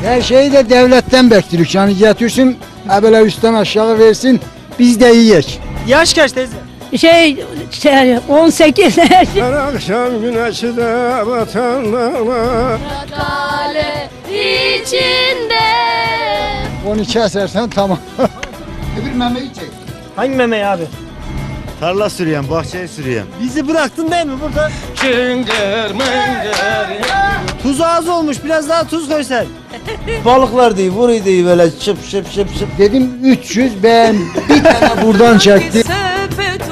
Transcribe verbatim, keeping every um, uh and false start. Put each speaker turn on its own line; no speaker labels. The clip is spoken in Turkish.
Her şeyi de devletten bekliyoruz. Yani getirsin, böyle üstten aşağı versin, biz de yiyek.
Yaş kaç teyze?
Şey, şey on sekiz.
Her akşam güneşi de batanlar.
Kale içinde.
Onu kesersen tamam. Öbür memeyi çek.
Hangi memeyi abi?
Tarla sürüyen, bahçeyi sürüyen.
Bizi bıraktın değil mi burada?
Çıngır mıngır.
Tuz az olmuş, biraz daha tuz koysan.
Balıklar değil, vuruyor değil böyle şıp şıp şıp şıp.
Dedim üç yüz, ben bir tane buradan çektim.
Sepet